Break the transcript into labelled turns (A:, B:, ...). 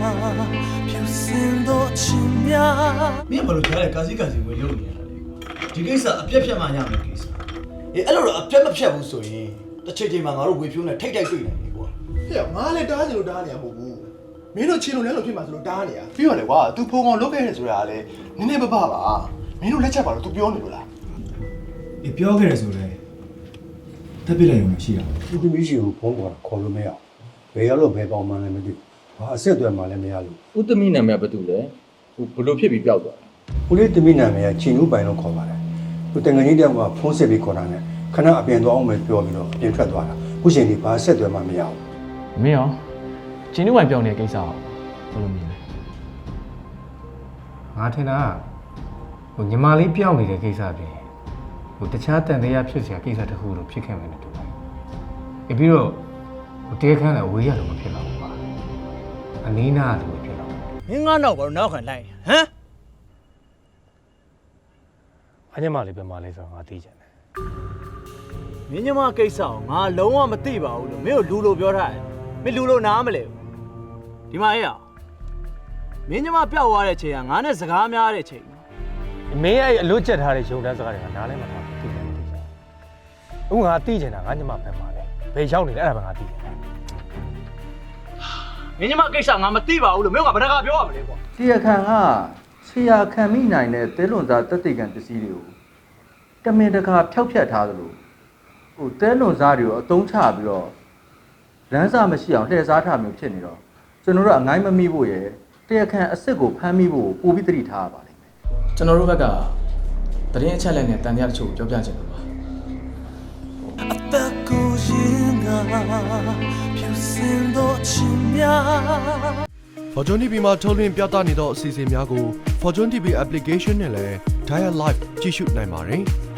A: ဖြူစင်သောချစ်များ
B: မင်းဘာလို့ကြားလဲကာစီဝင်လုပ်နေရတာလဲဒီကိစ္စအပြက်ဖြတ်မှရမယ်ကိစ္စအေးအဲ့လိုတော့အပြက်မဖြတ်ဘူးဆိုရင်တစ်ချိန်ချိန်မှာငါတို့ဝေဖြိုးနဲ့ထိတ်တိုက်တွေ့နေတယ်ကွာ
C: ဟဲ့ငါလည်းတားနေလို့တားနေရမဟုတ်ဘူးမင်းတို့ချင်းလို့လည်းလို့ဖြစ်မှာဆိုလို့တားနေရပြီးတော့လေကွာ तू ဖုံကောင်လုတ်ခဲ့တယ်ဆိုတာကလည်းနည်းနည်းပပပါမင်းတို့လက်ချက်ပါလို့ तू ပြောနေလို့လား
D: အေးပြောခဲ့ရဆိုလဲတက်ပြလိုက်ရုံနဲ့ရှိတာ
E: သူသမီးရှိကိုဖုန်းပေါ်ခေါ်လို့မရအောင်ဘယ်ရောက်လို့ဘယ်ပေါင်မှန်းလည်းမသိဘူးဘာအဆက်အသွယ်မှလည်းမရလို့
F: ဦးသမီးနာမည်ကဘာတူလဲဟိုဘလို့ဖြစ်ပြီးပျောက်သွားတာ
E: ဦးလေးသမီးနာမည်ကချီနူးပိုင်လို့ခေါ်ပါတယ်သူတန်ငယ်ကြီးတယောက်ကဖုန်းဆက်ပြီးခေါ်တာနဲ့ခဏအပြင်သွားအောင်ပဲပြောပြီးတော့အပြင်ထွက်သွားတာခုချိန်ဒီဘာအဆက်အသွယ်မှမရဘူး
G: မင်းရောကျင်းနှုတ်ဝိုင်ပြောင်းနေတဲ့ကိစ္စကိုဘယ်လိုမြင်လဲ
H: ငါထင်တာဟိုညီမလေးပြောင်းနေတဲ့ကိစ္စပြင်ဟိုတခြားတန်တရားဖြစ်စရာကိစ္စတခုလို့ဖြစ်ခဲ့မယ်လို့တူတယ်။ပြီးတော့ဟိုတဲခန်းလည်းဝေးရလို့မဖြစ်တော့ဘူးပါ။အနည်းနာလို့ဖြစ်တော့
B: မင်းငါနောက်ဘာလို့နောက်ခံလိုက်ဟမ်
H: ။အညီမလေးပဲမလေးဆိုတော့ငါသိချင်တယ်
B: မင်းညမကိစ္စကိုငါလုံးဝမသိပါဘူးလို့မင်းတို့လူလိုပြောထားတယ်မင်းလူလိုနားမလဲဘူးဒီမှာအေးအောင်မင်းညမပျောက်သွားတဲ့ချိန်ကငါနဲ့စကားများတဲ့ချိန်
H: ။မင်းအဲ့အလွတ်ချက်ထားတဲ့ရုံတန်းစကားတွေကနားလည်းမထားဘူးသိတယ်မသိချင်ဘူး။အခုငါသိချင်တာငါညီမပဲမလေး။ဘယ်ရောက်နေလဲအဲ့ဒါပဲငါသိချင်တယ်
B: မင်းညမကိစ္စငါမသိပါဘူးလို့မင်းကဘာတကားပြောရမလဲကွာ
F: တရားခံကဆရာခံမိနိုင်တဲ့သဲလွန်သားတက်တိကံပစ္စည်းတွေကိုတမင်တကာဖျောက်ဖျက်ထားသလိုဟိုသဲလွန်သားတွေကိုအတုံးချပြီးတော့လမ်းစာမရှိအောင်လှည့်စားထားမျိုးဖြစ်နေတော့ကျွန်တော်တို့အငိုင်းမမိဖို့ရယ်တရားခံအစ်စ်ကိုဖမ်းမိဖို့ပို့ပြီးတတိထားရပါလိမ့်မယ်
G: ကျွန်တော်တို့ဘက်ကသတင်းအချက်အလက်နဲ့တန်တရားတချို့ကိုပြောပြချင်လို့ပါ
A: အသက်ကိုရင်ငါဖြူစင်သောချစ်များ
C: Fortune TV မှာထုတ်လွှင့်ပြသနေသောအစီအစဉ်များကို Fortune TV application နဲ့လည်း Dial Live ကြည့်ရှုနိုင်ပါတယ်